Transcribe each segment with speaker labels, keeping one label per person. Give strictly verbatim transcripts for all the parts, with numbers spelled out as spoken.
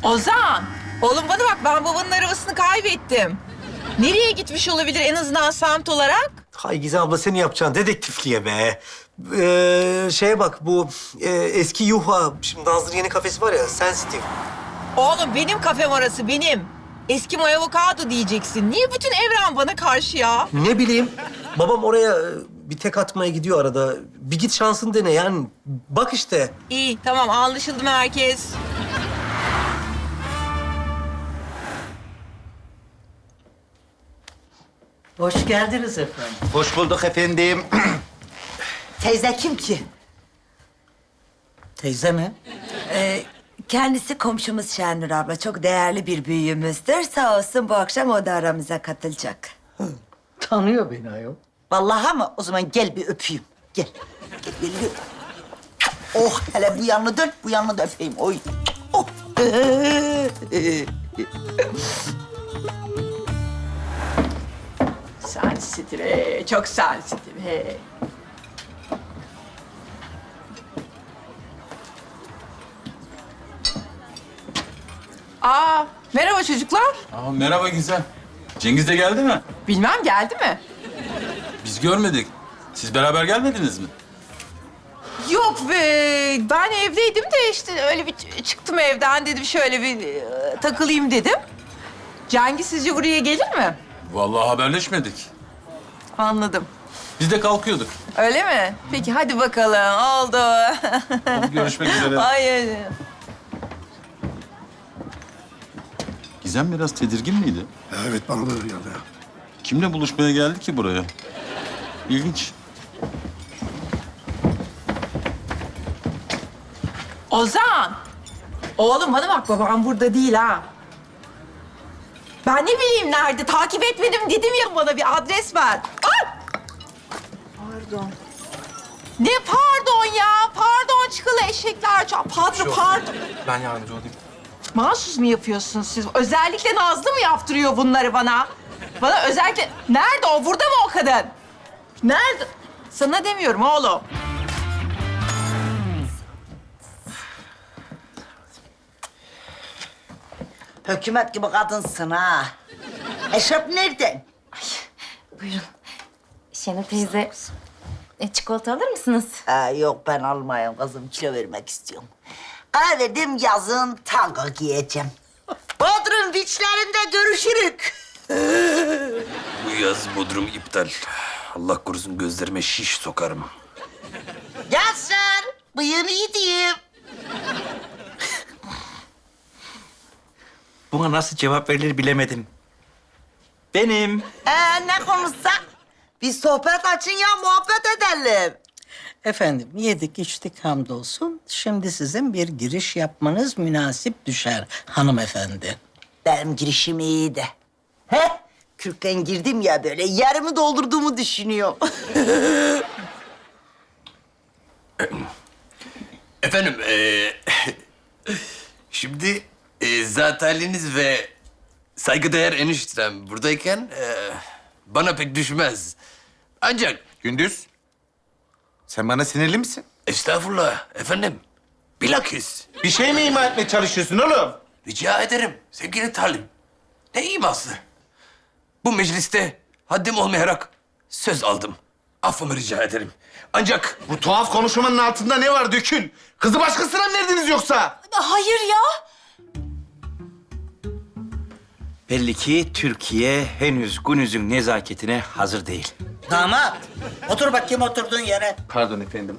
Speaker 1: Ozan, oğlum bana bak, ben babanın arabasını kaybettim. Nereye gitmiş olabilir en azından semt olarak?
Speaker 2: Hay Gizem abla, seni yapacağın dedektifliğe be. Ee, şeye bak, bu e, eski Yuha, şimdi Nazlı'nın yeni kafesi var ya, Sensitive.
Speaker 1: Oğlum benim kafem orası, benim. Eski Moy Avokado diyeceksin. Niye bütün evren bana karşı ya?
Speaker 2: Ne bileyim, babam oraya e, bir tek atmaya gidiyor arada. Bir git şansını dene yani. Bak işte.
Speaker 1: İyi, tamam, anlaşıldı mı herkes?
Speaker 3: Hoş geldiniz efendim.
Speaker 4: Hoş bulduk efendim.
Speaker 3: Teyze kim ki? Teyze mi?
Speaker 5: Ee, kendisi komşumuz Şenur abla. Çok değerli bir büyüğümüzdür. Sağ olsun bu akşam o da aramıza katılacak.
Speaker 3: Tanıyor beni ayol.
Speaker 6: Vallahi ama o zaman gel bir öpeyim. Gel. Gel, gel, gel. Oh, hele bu yanını dön, bu yanını da öpeyim. Oy. Oh.
Speaker 1: Sensitive, çok sensitive. Aa, merhaba çocuklar.
Speaker 7: Aa, merhaba Gizem. Cengiz de geldi mi?
Speaker 1: Bilmem, geldi mi?
Speaker 7: Biz görmedik. Siz beraber gelmediniz mi?
Speaker 1: Yok be, ben evdeydim de işte öyle bir ç- çıktım evden, dedim şöyle bir e, takılayım dedim. Cengiz sizce buraya gelir mi?
Speaker 7: Vallahi haberleşmedik.
Speaker 1: Anladım.
Speaker 7: Biz de kalkıyorduk.
Speaker 1: Öyle mi? Peki hadi bakalım, oldu.
Speaker 7: Hadi görüşmek üzere.
Speaker 1: Hayır.
Speaker 7: Gizem biraz tedirgin miydi?
Speaker 8: Evet, bana da öyle geldi.
Speaker 7: Kimle buluşmaya geldi ki buraya? İlginç.
Speaker 1: Ozan! Oğlum bana bak, babam burada değil ha. Ben ne bileyim nerede, takip etmedim dedim ya, bana bir adres ver. Ay! Pardon. Ne pardon ya? Pardon çıkılı eşekler. ça- Pardon, pardon.
Speaker 2: Ben yardımcı olayım.
Speaker 1: Mahsus mu yapıyorsunuz siz? Özellikle Nazlı mı yaptırıyor bunları bana? Bana özellikle... Nerede o? Burada mı o kadın? Nerede? Sana demiyorum oğlum.
Speaker 6: Hükümet gibi kadınsın ha. Eşref nereden?
Speaker 9: Buyurun. Şenol teyze, e, çikolata alır mısınız?
Speaker 6: Ha, yok ben almayayım kızım, kilo vermek istiyorum. Karar verdim, yazın tango giyeceğim. Bodrum beachlerinde görüşürük.
Speaker 10: Bu yaz Bodrum iptal. Allah korusun gözlerime şiş sokarım.
Speaker 6: Gençler, bıyığını yediğim.
Speaker 4: Buna nasıl cevap verilir bilemedim. Benim.
Speaker 6: Ee, ne konuşsak? Biz sohbet açın ya, muhabbet edelim.
Speaker 3: Efendim yedik içtik hamdolsun. Şimdi sizin bir giriş yapmanız münasip düşer hanımefendi.
Speaker 6: Benim girişim iyiydi. He? Kürkten girdim ya böyle, yarımı doldurduğumu düşünüyorum.
Speaker 10: Efendim, eee, şimdi eee zat haliniz ve saygıdeğer eniştem buradayken eee, bana pek düşmez. Ancak
Speaker 4: Gündüz. Sen bana sinirli misin?
Speaker 10: estağfurullah efendim, bilakis
Speaker 4: Bir şey mi ima etmeye çalışıyorsun oğlum?
Speaker 10: rica ederim sevgili talim. Ne iması? Bu mecliste haddim olmayarak söz aldım. Affımı rica ederim. Ancak
Speaker 4: Bu tuhaf konuşmanın altında ne var Dökül? Kızı başkasına mı verdiniz yoksa?
Speaker 9: Hayır ya.
Speaker 4: Belli ki Türkiye henüz Günüz'ün nezaketine hazır değil.
Speaker 3: Damat, otur bakayım oturduğun yere.
Speaker 4: Pardon efendim.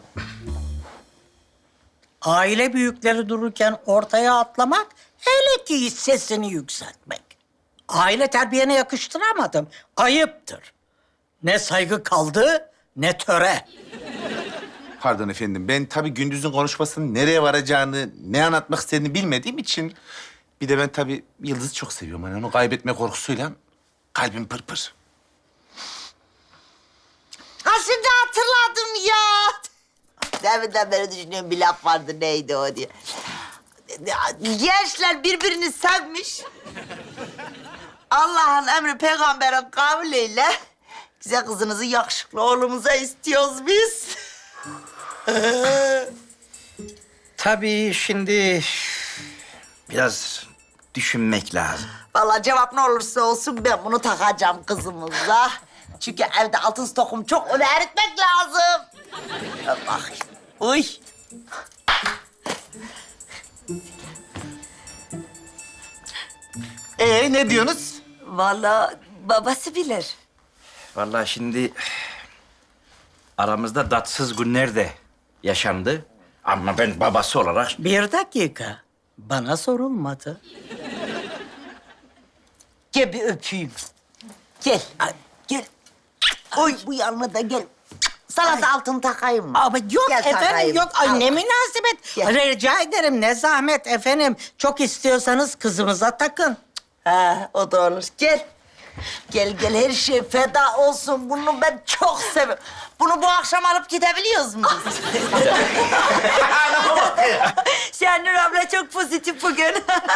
Speaker 3: Aile büyükleri dururken ortaya atlamak, hele ki hiç sesini yükseltmek. Aile terbiyene yakıştıramadım. Ayıptır. Ne saygı kaldı, ne töre.
Speaker 4: Pardon efendim. Ben tabii Gündüz'ün konuşmasının nereye varacağını, ne anlatmak istediğini bilmediğim için... Bir de ben tabii Yıldız'ı çok seviyorum. Hani onu kaybetme korkusuyla kalbim pırpır.
Speaker 6: Ha şimdi hatırladım ya. Deminden beri düşünüyorum, bir laf vardı, neydi o diye. Gençler birbirini sevmiş. Allah'ın emri peygamberin kavliyle güzel kızınızı yakışıklı oğlumuza istiyoruz biz.
Speaker 4: Tabii şimdi biraz
Speaker 8: düşünmek lazım.
Speaker 6: Vallahi cevap ne olursa olsun ben bunu takacağım kızımıza. Çünkü evde altın stokum çok, onu eritmek lazım. Bak bakayım. Uy.
Speaker 4: Ee ne diyorsunuz?
Speaker 5: Vallahi babası bilir.
Speaker 8: Vallahi şimdi aramızda tatsız günler de yaşandı. Ama ben babası olarak
Speaker 3: Bir dakika. Bana sorulmadı.
Speaker 6: Gel bir öpeyim. Gel. Ay, gel. Oy bu yanına da gel. Sana da altın takayım mı?
Speaker 3: Ama yok
Speaker 6: Gel
Speaker 3: efendim
Speaker 6: takayım.
Speaker 3: yok. Ay
Speaker 6: Al.
Speaker 3: ne münasebet.
Speaker 6: Gel.
Speaker 3: Rica ederim ne zahmet efendim. Çok istiyorsanız kızımıza takın.
Speaker 6: Ha, o da olur. Gel. Gel gel her şey feda olsun. Bunu ben çok seviyorum. Bunu bu akşam alıp gidebiliyoruz mu biz?
Speaker 5: Şenur abla çok pozitif bugün.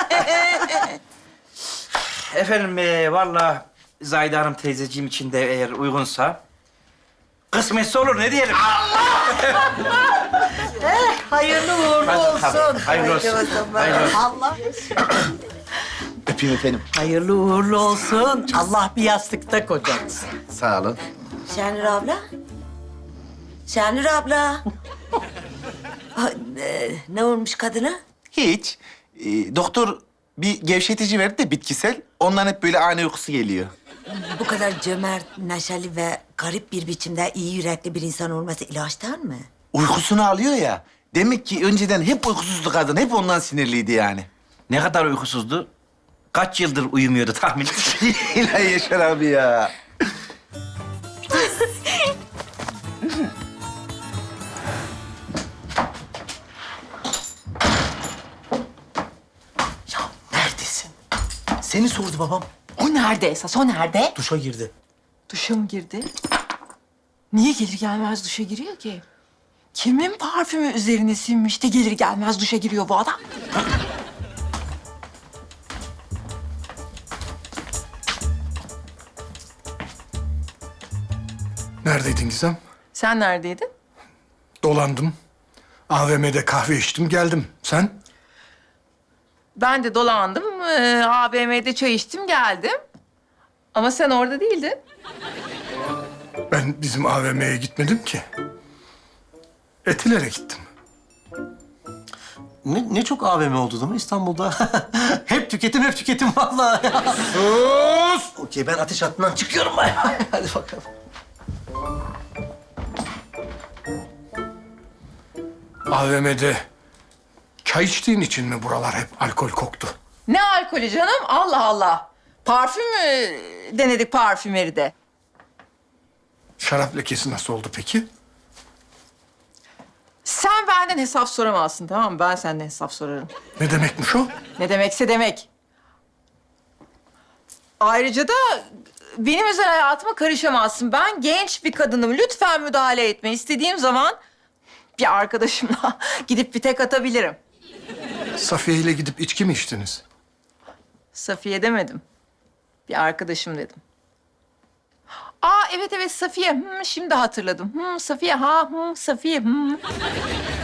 Speaker 8: efendim e, vallahi Zahide Hanım teyzeciğim için de eğer uygunsa kısmetse olur ne diyelim.
Speaker 3: Hayırlı uğurlu olsun.
Speaker 8: Hayırlı olsun. Hayırlı olsun.
Speaker 3: Allah.
Speaker 4: Öpeyim efendim.
Speaker 3: Hayırlı uğurlu olsun. Allah bir yastıkta kocatsın.
Speaker 4: Sağ olun.
Speaker 5: Şenur abla. Şenur abla. Ay, e, ne olmuş kadına?
Speaker 4: Hiç. Ee, doktor bir gevşetici verdi de bitkisel. Ondan hep böyle ani uykusu geliyor.
Speaker 5: Bu kadar cömert, neşeli ve garip bir biçimde iyi yürekli bir insan olması ilaçtan mı?
Speaker 4: Uykusunu alıyor ya. Demek ki önceden hep uykusuzdu kadın. Hep ondan sinirliydi yani.
Speaker 8: Ne kadar uykusuzdu? Kaç yıldır uyumuyordu tahmin et.
Speaker 4: İlahi Yaşar abi ya.
Speaker 2: Neredesin? Seni sordu babam.
Speaker 1: O nerede esas? O nerede?
Speaker 2: Duşa girdi.
Speaker 1: Duşa mı girdi? Niye gelir gelmez duşa giriyor ki? Kimin parfümü üzerine sinmiş de gelir gelmez duşa giriyor bu adam?
Speaker 11: Neredeydin Gizem?
Speaker 1: Sen neredeydin?
Speaker 11: Dolandım. A V M'de kahve içtim, geldim. Sen?
Speaker 1: Ben de dolandım. Ee, A V M'de çay içtim, geldim. Ama sen orada değildin.
Speaker 11: Ben bizim A V M'ye gitmedim ki. Etilere gittim.
Speaker 2: Ne, ne çok A V M oldu değil mi İstanbul'da? hep tüketim, hep tüketim vallahi.
Speaker 11: Sus!
Speaker 2: Okey, ben ateş hattından çıkıyorum ben. Hadi bakalım.
Speaker 11: A V M'de çay içtiğin için mi buralar hep alkol koktu?
Speaker 1: Ne alkolü canım? Allah Allah. Parfüm mü denedik parfümeride?
Speaker 11: Şarap lekesi nasıl oldu peki?
Speaker 1: Sen benden hesap soramazsın, tamam mı? Ben senden hesap sorarım.
Speaker 11: Ne demekmiş o?
Speaker 1: Ne demekse demek. Ayrıca da benim özel hayatıma karışamazsın. Ben genç bir kadınım. Lütfen müdahale etme. İstediğim zaman bir arkadaşımla gidip bir tek atabilirim.
Speaker 11: Safiye ile gidip içki mi içtiniz?
Speaker 1: Safiye demedim. Bir arkadaşım dedim. Aa evet evet Safiye. Hmm, şimdi hatırladım. Hmm, Safiye ha hmm, Safiye. Hmm.